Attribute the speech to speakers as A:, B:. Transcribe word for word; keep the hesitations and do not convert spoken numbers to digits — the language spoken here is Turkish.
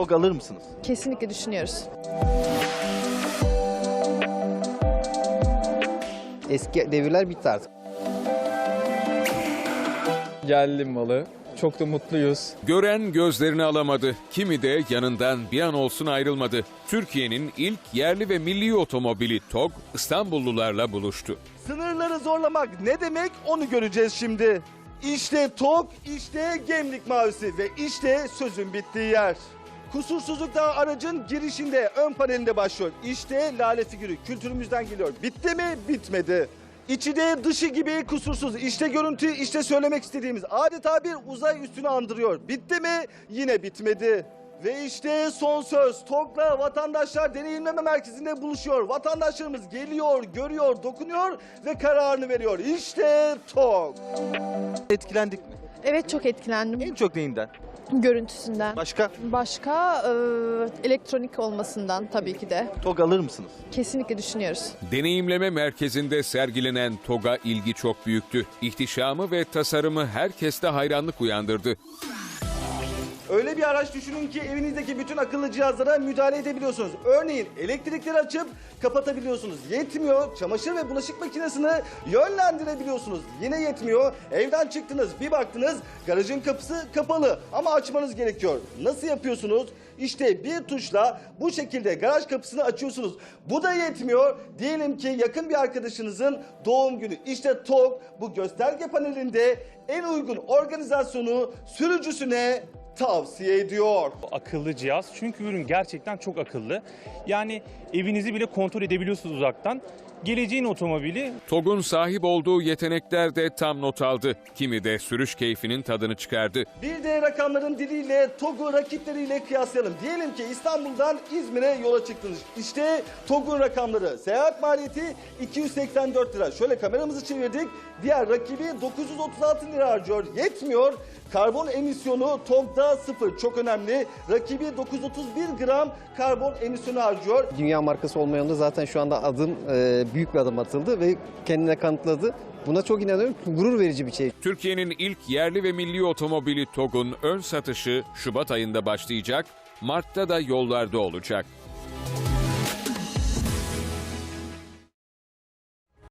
A: TOG alır mısınız?
B: Kesinlikle düşünüyoruz.
C: Eski devirler bitti artık.
D: Yerli malı. Çok da mutluyuz.
E: Gören gözlerini alamadı. Kimi de yanından bir an olsun ayrılmadı. Türkiye'nin ilk yerli ve milli otomobili TOG İstanbullularla buluştu.
A: Sınırları zorlamak ne demek onu göreceğiz şimdi. İşte TOG, işte Gemlik Mavisi ve işte sözün bittiği yer. Kusursuzluk da aracın girişinde, ön panelinde başlıyor. İşte lale figürü kültürümüzden geliyor. Bitti mi? Bitmedi. İçi de dışı gibi kusursuz. İşte görüntü, işte söylemek istediğimiz. Adeta bir uzay üstünü andırıyor. Bitti mi? Yine bitmedi. Ve işte son söz. TOG'la vatandaşlar deneyimleme merkezinde buluşuyor. Vatandaşlarımız geliyor, görüyor, dokunuyor ve kararını veriyor. İşte TOG. Etkilendik mi?
B: Evet, çok etkilendim.
A: En çok neyinden?
B: Görüntüsünden.
A: Başka?
B: Başka e, elektronik olmasından tabii ki de.
A: TOG alır mısınız?
B: Kesinlikle düşünüyoruz.
E: Deneyimleme merkezinde sergilenen TOG'a ilgi çok büyüktü. İhtişamı ve tasarımı herkeste hayranlık uyandırdı.
A: Öyle bir araç düşünün ki evinizdeki bütün akıllı cihazlara müdahale edebiliyorsunuz. Örneğin elektrikleri açıp kapatabiliyorsunuz. Yetmiyor, çamaşır ve bulaşık makinesini yönlendirebiliyorsunuz. Yine yetmiyor, evden çıktınız, bir baktınız garajın kapısı kapalı ama açmanız gerekiyor. Nasıl yapıyorsunuz? İşte bir tuşla bu şekilde garaj kapısını açıyorsunuz. Bu da yetmiyor. Diyelim ki yakın bir arkadaşınızın doğum günü. İşte TOG bu gösterge panelinde en uygun organizasyonu sürücüsüne tavsiye ediyor.
F: Akıllı cihaz çünkü ürün gerçekten çok akıllı. Yani evinizi bile kontrol edebiliyorsunuz uzaktan. Geleceğin otomobili.
E: TOG'un sahip olduğu yetenekler de tam not aldı. Kimi de sürüş keyfinin tadını çıkardı.
A: Bir de rakamların diliyle TOG'u rakipleriyle kıyaslayalım. Diyelim ki İstanbul'dan İzmir'e yola çıktınız. İşte TOG'un rakamları. Seyahat maliyeti iki yüz seksen dört lira. Şöyle kameramızı çevirdik. Diğer rakibi dokuz yüz otuz altı lira harcıyor. Yetmiyor. Karbon emisyonu TOG'da sıfır. Çok önemli. Rakibi dokuz yüz otuz bir gram karbon emisyonu harcıyor.
C: Dünya markası olmayan da zaten şu anda adım e, büyük bir adım atıldı ve kendine kanıtladı. Buna çok inanıyorum. Gurur verici bir şey.
E: Türkiye'nin ilk yerli ve milli otomobili TOG'un ön satışı Şubat ayında başlayacak, Mart'ta da yollarda olacak.